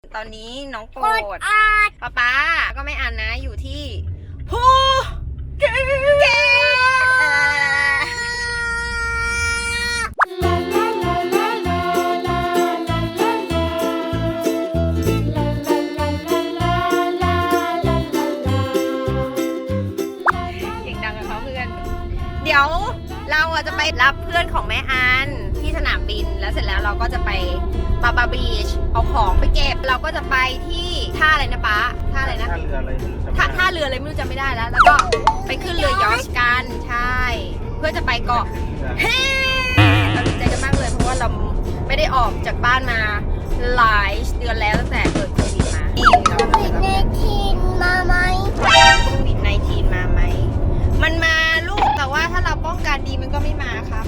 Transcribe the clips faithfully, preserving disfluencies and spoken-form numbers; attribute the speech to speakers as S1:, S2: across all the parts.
S1: ตอนนี้น้องโปรดป๊าป๊าก็ไม่อ่านนะอยู่ที่ภูเก็เดี๋ยวเราจะไปรับเพื่อนของแม่อันที่สนามบินแล้วเสร็จแล้วเราก็จะไปบาบาบีชเอาของไปเก็บเราก็จะไปที่ท่าอะไรนะป๊าท่าอะไรนะท่าเรืออะไรท่าท่าเรืออะไรไม่รู้จำไม่ได้แล้วแล้วก็ไปขึ้นเรือยอชกันใช่เพื่อจะไปเกาะเฮ้เราดีใจกันมากเลยเพราะว่าเราไม่ได้ออกจากบ้านมาหลายเดือนแล้วตั้งแต่เกิดโควิดมาโควิดไนทีนมาไหมโควิดไนทีนมาไหมมันมาลูกแต่ว่าถ้าเราป้องกันดีมันก็ไม่มาครับ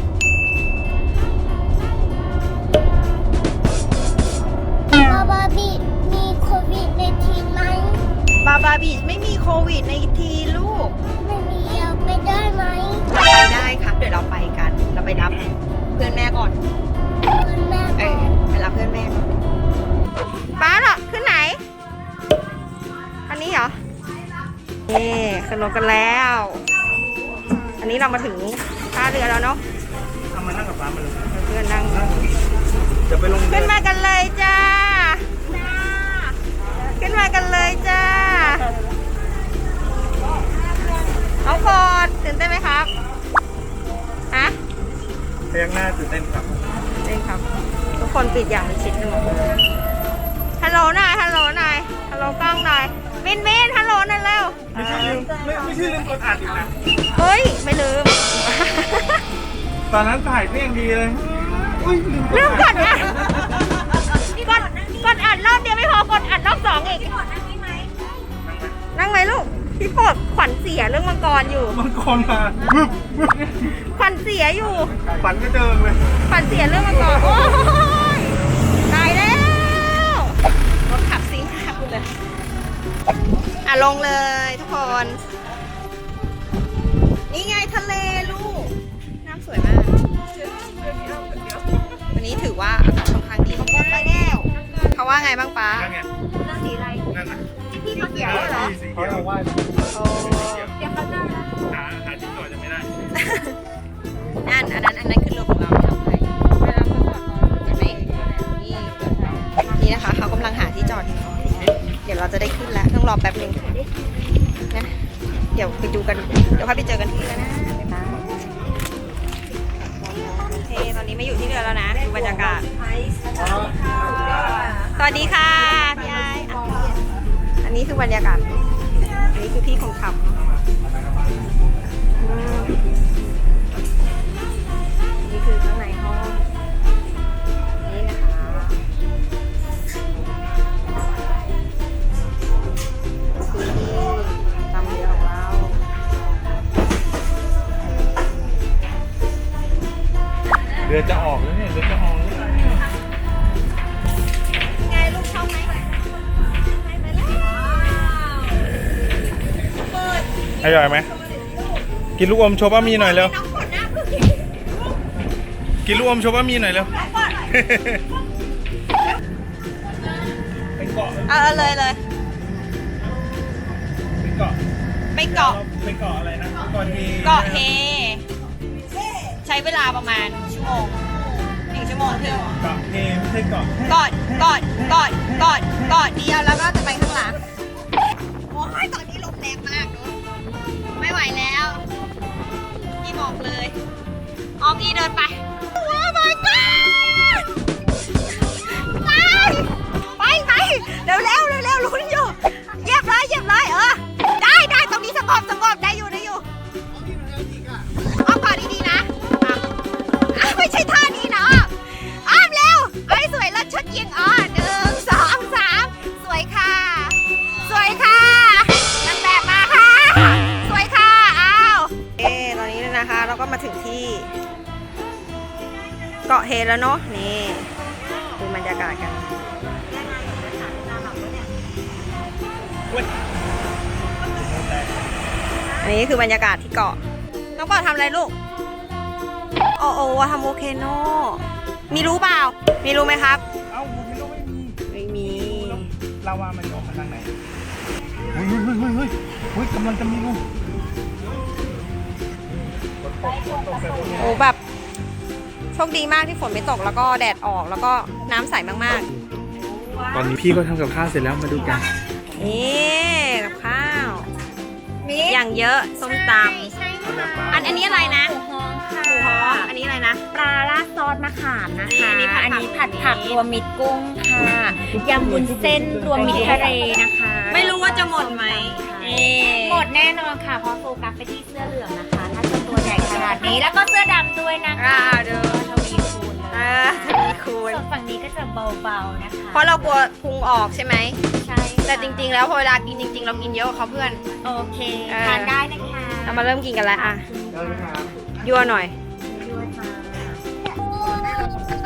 S1: บาบาบีมีโควิดในทีไหมบาบาบีไม่มีโควิดในทีลูกไม่มีเราไปได้ไหมไปได้ครับเดี๋ยวเราไปกันเราไปรับเพื่อนแม่ก่อนเพื่อนแม่เออไปรับเพื่อนแม่ก่อนป้าเหรอขึ้นไหนอันนี้เหรอนี่ขึ้นรถกันแล้วอันนี้เรามาถึงท่าเรือแล้วเนาะทำมานั่งกับป้ามาเลยเพื่อนนั่งจะไปลงขึ้นมากันเลยจ้าขึ้นมากันเลยจ้าน้องโฟดตื่นเต้นไหมครับฮะพยักหน้าตื่นเต้นครับตื่นเต้นครับทุกคนปิดอย่างมิดชิดกันหมดเลยฮัลโหลหน่อยฮัลโหลหน่อยฮัลโหลกล้องหน่อยมินมินฮัลโหลหน่อยเร็วไม่ใช่ลืมไม่ไม่ใช่ลืมกดอัดอีกนะเฮ้ยไม่ลืม
S2: ตอนนั้นถ่ายเพลงดีเลย
S1: ลืมกดอัดกดกดอัดรอบเดียวไม่พอกดอัดรอบสองอีกนั่งไหมลูกพี่โปรดขวัญเสียเรื่องมังกรอยู่
S2: มังกรมา
S1: ขวัญเสียอยู่
S2: ขวัญก็เดิมเลย
S1: ขวัญเสียเรื่องมังกรโอ้ยตายแล้วรถขับซิ่งขับเลยอ่ะลงเลยทุกคนนี่ไงทะเลลูกน้ำสวยมากวันนี้ถือว่าอากาศค่อนข้างดีไปแล้วเขาว่าไงบ้างป๊าสีอะไรนั่นนะพี่สีเขียวเหรอ
S2: สีเขียวว่า
S1: โอ้เดี๋ยวเขาจะ
S2: หาหาที่จอดจะไม่ได้
S1: นั่นอันนั้นอันนั้นคือรถของเราทำไปเวลาเขาจอดเห็นไหมนี่นี่นะคะเขากำลังหาที่จอดเดี๋ยวเราจะได้ขึ้นแล้วต้องรอแป๊บนึงนะเดี๋ยวไปดูกันเดี๋ยวค่อยไปเจอกันที่แล้วนะโอเคตอนนี้ไม่อยู่ที่เรือแล้วนะดูบรรยากาศสวัสดีค่ะพี่ไออันนี้คือบรรยากาศอันนี้คือพี่คนขับนี่คือข้างในห้องนี่นะคะคือที่ตามเรือของเรา
S2: เรือจะออกแล้วเนี่ยเรือจะออกแล้ว
S1: ไงลูกชอบไหม
S2: อร่อยไหมกินลูกอมโชว์ป้ามีหน่อยเร็วกินลูกอมโชว์ป้ามีหน่อยเร็วไปเกาะ
S1: เออเลยเลย
S2: ไปเกาะ
S1: ไปเกาะ
S2: ไปเกาะอะไรนะเกาะเฮ
S1: เกาะเฮใช้เวลาประมาณชั่วโมงหนึ่งชั่วโมงถึง
S2: เกาะเฮไม่ใช่เกาะ
S1: เกาะเกาะเกาะเกาะเกาะเดียวแล้วก็จะไปข้างหลังโอ้ยตอนนี้ลมแรงมากเนอะไม่ไหวแล้วพี่บอกเลยออมอีเดินไปโอ้ my god ไปไปเร็วเร็วเร็วเร็วลุ้นอยู่เหยียบเลยเหยียบเลยเออได้ได้ตรงนี้สงบสงบได้อยู่ได้อยู่อ้อมก่อนดีๆนะอ่ะไม่ใช่ท่านี้นะอ้อมเร็วไอ้สวยแล้วชุดยิงอ๋อหนึ่งสองสามสวยค่ะสวยค่ะนางแบบมาค่ะสวยค่ะอ้าวเอ๊ตอนนี้นะคะเราก็มาถึงที่เกาะเฮแล้วเนาะนี่ดูบรรยากาศกันอันนี้คือบรรยากาศที่เกาะน้องปอทำอะไรลูกโอโอทำโอเคโนมีรู้เปล่ามีรู้ไหมครับ
S2: เอ้าโมเมโนไม่มี
S1: ไม่มี
S2: ลาวามันจะออกมาทางไหนเฮ้ยเฮ้ยเฮ้ยเฮ้ยเฮ้ยเฮ้ยกำลังจะมีลูก
S1: โอ้แบบโชคดีมากที่ฝนไม่ตกแล้วก็แดดออกแล้วก็น้ำใสมาก
S2: ตอนนี้พี่ก็ทำกับข้าวเสร็จแล้วมาดูกัน
S1: ๆนี่กับข้าวอย่างเยอะส้มตำอันอันนี้อะไรนะ
S3: หมูฮ้องค่ะ
S1: หมูฮ้องอันนี้อะไรนะ
S3: ปลาราดซอสมะขามนะคะ
S1: อันนี้ผัดผัก
S3: อันนี้ผัดผักรวมมิตรกุ้งค่ะยำวุ้นเส้นรวมมิตรทะเลนะคะ
S1: ไม่รู้ว่าจะหมดไหมเอ๊ะ
S3: หมดแน่นอนค่ะเพราะโฟกัสไปที่เสื้อเหลืองนะคะ ถ้าเป็นตัวใหญ่ขนาดนี้แล้วก็เสื้อดำด้วยนะคะ
S1: อ่าเดู
S3: ทวีคูณเลย
S1: อ่าทวีคูณ
S3: ส่วนฝั่งนี้ก็จะเบาๆนะคะ
S1: เพราะเรากลัวพุงออกใช่ไหม
S3: ใช่ค่ะ
S1: แต่จริงๆ แล้วพอเวลากินจริง ๆ เรากินเยอะกว่าเขาเพื่อน
S3: โอเค
S1: เออ
S3: ทานได้นะคะ
S1: เรามาเริ่มกินกันแล้วอ่ะยั่วหน่อย
S3: ด้วยค่ะ